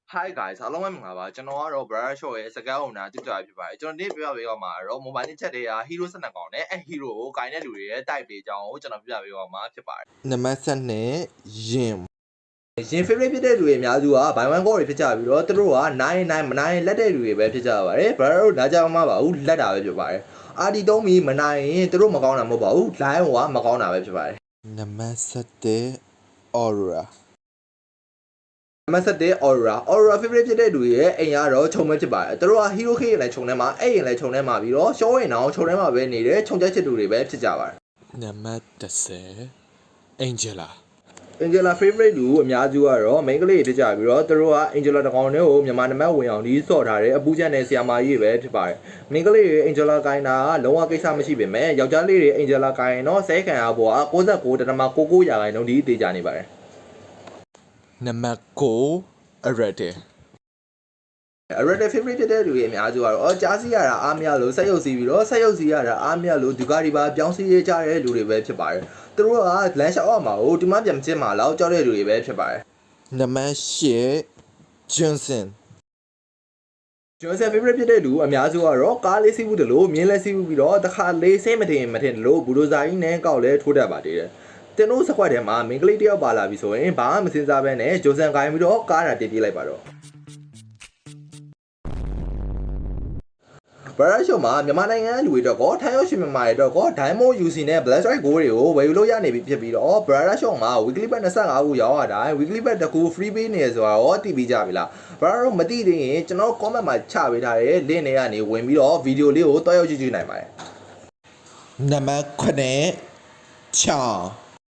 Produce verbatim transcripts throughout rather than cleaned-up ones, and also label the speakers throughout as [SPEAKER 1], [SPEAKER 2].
[SPEAKER 1] Hi guys အားလုံးပဲမင်္ဂလာပါကျွန်တော်ကတော့ Brother Show ရဲ့စကားအုံနာတူတာဖြစ်ပါတယ်ကျွန်တော်ဒီပြပြပေးတော့မှာတော့ mobile ချက်တွေက hero ၁၂ကောင်နဲ့အဲ hero ကိုဂိုင်းတဲ့လူတွေရဲ့ type တွေအကြောင်းကိုကျွန်တော်ပြပြပေးတော့မှာဖြစ်ပါတယ်
[SPEAKER 2] နံပါတ်ဆက်နဲ့ရင်
[SPEAKER 1] ရင် favorite ဖြစ်တဲ့လူတွေအများစုက buy one go တွေဖြစ်ကြပြီးတော့သူတို့ကနိုင်နိုင်မနိုင်လက်တဲ့လူတွေပဲဖြစ်ကြပါတယ် Brother တို့နားကြမှာပါဘူးလက်တာပဲဖြစ်ပါတယ်အာဒီတုံးပြီးမနိုင်ရင်သူတို့မကောင်းတာမဟုတ်ပါဘူး line ကမကောင်းတာပဲဖြစ်ပါတယ်
[SPEAKER 2] နံပါတ်ဆက်တဲ့ aura
[SPEAKER 1] နံပါတ်ဆက်တဲ့ aura aura favorite ဖြစ်တဲ့လူတွေရဲ့အိမ်ကတော့ခြုံမဲဖြစ်ပါတယ်သူတို့က hero ခေရင်လည်းခြုံထဲမှာအဲ့ရင်လည်းခြုံထဲမှာပြီးတော့ show ရင်တော့ခြုံထဲမှာပဲနေတဲ့ခြုံချက်ချစ်သူတွေပဲဖြစ်ကြပါတယ်
[SPEAKER 2] နံပါတ်၁၀ angela
[SPEAKER 1] angela favorite လူအများစုကတော့ main ကလေးဖြစ်ကြပြီးတော့သူတို့က angela တကောင်တွေကိုမြန်မာနံပါတ်ဝင်အောင်ဒီစော့ထားတယ်အပူချက်နဲ့ဆီယာမာကြီးပဲဖြစ်ပါတယ် main ကလေးတွေ angela ကိုင်းတာကလုံးဝကိစ္စမရှိပေမဲ့ယောက်ျားလေးတွေ angela ကိုင်းတော့ဆဲခံရဖို့က၉၉.၉၉ရာခိုင်နှုန်းဒီတေးကြနေပါတယ်
[SPEAKER 2] နံပါတ်၉ arete
[SPEAKER 1] arete favorite ဖြစ်တဲ့လူတွေအများစုကတော့ကြားစီရတာအားမရလို့ဆက်ရုပ်စီးပြီးတော့ဆက်ရုပ်စီးရတာအားမရလို့ဒီကာဒီပါပြောင်းစီးရကြတဲ့လူတွေပဲဖြစ်ပါတယ်သူတို့ကလမ်းလျှောက်အောင်မှာဟိုဒီမှပြန်ကျင်းမှာလောက်ကြောက်တဲ့လူတွေပဲဖြစ်ပါတယ်
[SPEAKER 2] နံပါတ်၈ johnson
[SPEAKER 1] johnson favorite ဖြစ်တဲ့လူအများစုကတော့ကားလေးစီးဘူးတလို့မြင်းလေးစီးဘူးပြီးတော့တခါလေးစိတ်မတင်မတင်လို့ဘူဒိုဇာကြီးနဲ့ကောက်လဲထိုးတတ်ပါသေးတယ်တင်တို့စကွက်ထဲမှာမင်္ဂလိတယောက်ပါလာပြီဆိုရင်ဘာမှမစင်စားဘဲနဲ့ဂျိုဆန်ကိုင်းပြီးတော့ကားတာတည်ပြေးလိုက်ပါတော့ဘရာရှုံမှာမြန်မာနိုင်ငံလူတွေတော့ကောထိုင်းရောက်ရှင်မြန်မာတွေတော့ကော Diamond ယူ စီ နဲ့ Black Strike ကိုတွေကိုဝယ်ယူလို့ရနေပြီဖြစ်ပြီးတော့ဘရာရှုံမှာ weekly bet ၂၅ခုရောက်ရတာ weekly bet တစ်ခု free ပေးနေဆိုတော့တည်ပြီးကြပြီလားဘရာတို့မသိသေးရင်ကျွန်တော် comment မှာချပေးထားတဲ့ link တွေကနေဝင်ပြီးတော့ video လေးကိုတွားရောက်ကြည့်ကြည့်နိုင်ပါတယ်
[SPEAKER 2] နံပါတ်၇ ချောင်း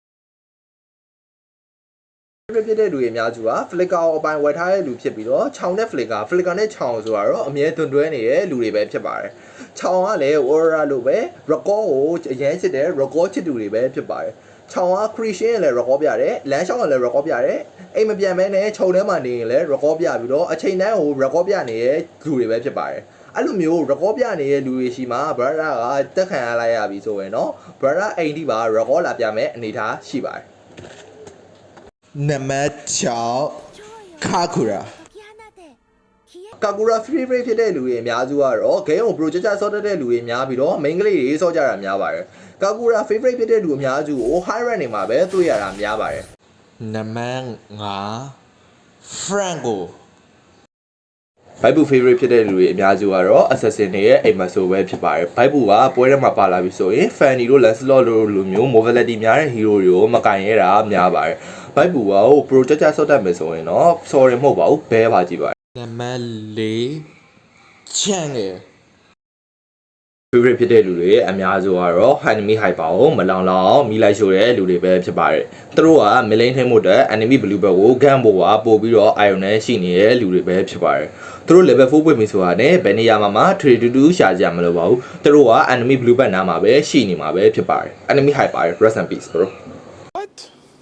[SPEAKER 1] ဖြစ်တဲ့လူတွေအများစုက flicker အပိုင်းဝယ်ထားတဲ့လူဖြစ်ပြီးတော့ခြောင်နဲ့ flicker flicker နဲ့ခြောင်ဆိုတာတော့အမြဲတွန်တွဲနေတဲ့လူတွေပဲဖြစ်ပါတယ်ခြောင်ကလည်း aura လို့ပဲ record ကိုအရင်ချစ်တဲ့ record ချစ်သူတွေပဲဖြစ်ပါတယ်ခြောင်က creation လည်း record ပြတယ်လမ်းလျှောက်လည်း record ပြတယ်အိမ်မပြန်မဲနဲ့ခြုံထဲမှာနေရင်လည်း record ပြပြီးတော့အချိန်တိုင်းကို record ပြနေတဲ့လူတွေပဲဖြစ်ပါတယ်အဲ့လိုမျိုး record ပြနေတဲ့လူတွေရှိမှာ brother ကတက်ခံရလိုက်ရပြီဆိုရင်တော့ brother အိမ်ဒီပါ record လာပြမယ်အနေထားရှိပါတယ်
[SPEAKER 2] နံပါတ်၆ ကာကူရာ
[SPEAKER 1] ကာကူရာ favorite ဖြစ်တဲ့လူတွေအများစုကတော့ game ကို project ဆော့တတ်တဲ့လူတွေများပြီးတော့ main ကလေးတွေဆော့ကြတာများပါတယ်ကာကူရာ favorite ဖြစ်တဲ့လူအများစုကို high rank တွေမှာပဲတွေ့ရတာများပါတယ်
[SPEAKER 2] နံပါတ်၅ franco
[SPEAKER 1] ဘိုက်ဘူ favorite ဖြစ်တဲ့လူတွေအများစုကတော့ assassin တွေရဲ့အိမ်မဆိုပဲဖြစ်ပါတယ်ဘိုက်ဘူကပွဲထဲမှာပါလာပြီဆိုရင် fanny တို့ lancelot တို့လိုမျိုး mobility များတဲ့ hero တွေကိုမကင်ရတာများပါတယ်ဘိုက်ဘူကဟို project ဆော့တတ်မယ်ဆိုရင်တော့ sorry မဟုတ်ပါဘူးဘဲပါကြည့်ပါ
[SPEAKER 2] နံပါတ်၄ချန်ငယ်
[SPEAKER 1] favorite ဖြစ်တဲ့လူတွေအများစုကတော့ enemy hyper ကိုမလောင်လောင်မိလိုက်ရှို့တဲ့လူတွေပဲဖြစ်ပါတယ်သူတို့က milling ထိမှုတဲ့ enemy blue belt ကို gun ပေါ်ကပို့ပြီးတော့ iron နဲ့ရှိနေတဲ့လူတွေပဲဖြစ်ပါတယ်သူတို့ level ၄ပွင့်ပြီဆိုတာနဲ့ဘယ်နေရာမှာမှ trade to do ရှာကြမလို့ပါဘူးသူတို့က enemy blue belt နားမှာပဲရှိနေမှာပဲဖြစ်ပါတယ် enemy hyper rest in peace bro
[SPEAKER 3] what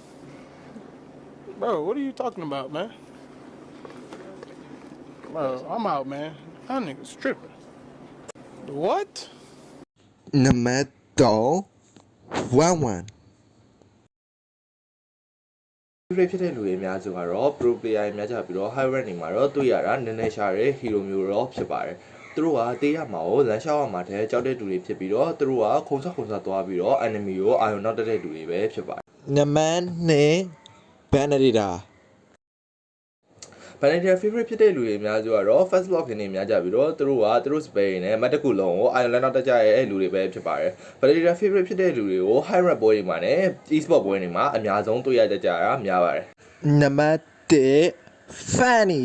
[SPEAKER 3] bro what are you talking about man bro I'm out man that nigga's tripping what
[SPEAKER 2] နံပါတ်၃ one one
[SPEAKER 1] favorite ဖြစ်တဲ့လူတွေအများစုကတော့ pro player တွေများကြပြီးတော့ high rank တွေမှာတော့တွေ့ရတာနည်းနည်းရှာတဲ့ hero မျိုးတော့ဖြစ်ပါတယ်သူတို့ကတေးရမှာကိုလမ်းလျှောက်ရမှာတဲ့ကြောက်တဲ့လူတွေဖြစ်ပြီးတော့သူတို့ကခုံဆော့ခုံဆော့သွားပြီးတော့ enemy ကိုအာရုံနောက်တက်တဲ့လူတွေပဲဖြစ်ပါတယ်
[SPEAKER 2] နံပါတ်၂ benedita
[SPEAKER 1] benedita favorite ဖြစ်တဲ့လူတွေအများစုကတော့ first block တွေနေများကြပြီးတော့သူတို့ကသူတို့ spell နဲ့မတ်တကူလုံးကိုအာရုံနောက်တက်ကြရဲ့လူတွေပဲဖြစ်ပါတယ် benedita favorite ဖြစ်တဲ့လူတွေကို high rank ပွဲတွေမှာနဲ့ e-sport ပွဲတွေမှာအများဆုံးတွေ့ရကြကြတာများပါတယ်
[SPEAKER 2] နံပါတ်၁ fanny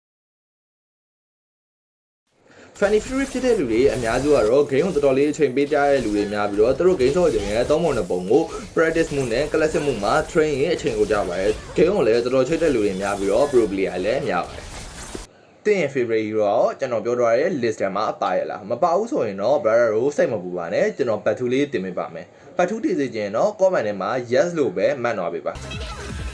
[SPEAKER 1] fanny favorite ဖြစ်တဲ့လူတွေအများစုကတော့ game ကိုတော်တော်လေးအချိန်ပေးကြတဲ့လူတွေများပြီးတော့သူတို့ game ဆော့ခြင်းရဲ့သုံးပုံနှစ်ပုံကို practice မှုနဲ့ classic မှုမှာ train ရင်အချိန်ကိုကြပါတယ် game ကိုလည်းတော်တော်ချိတ်တဲ့လူတွေများပြီးတော့ pro player လည်းများပါတယ်တင်းရဲ့ favorite hero တော့ကျွန်တော်ပြောထားတဲ့ list ထဲမှာပါရလားမပါဘူးဆိုရင်တော့ brother တို့စိတ်မပူပါနဲ့ကျွန်တော်ပတ်ထူးလေးတင်ပေးပါမယ်ပတ်ထူးတည်စေခြင်းတော့ comment ထဲမှာ yes လို့ပဲမှတ်သွားပေးပါ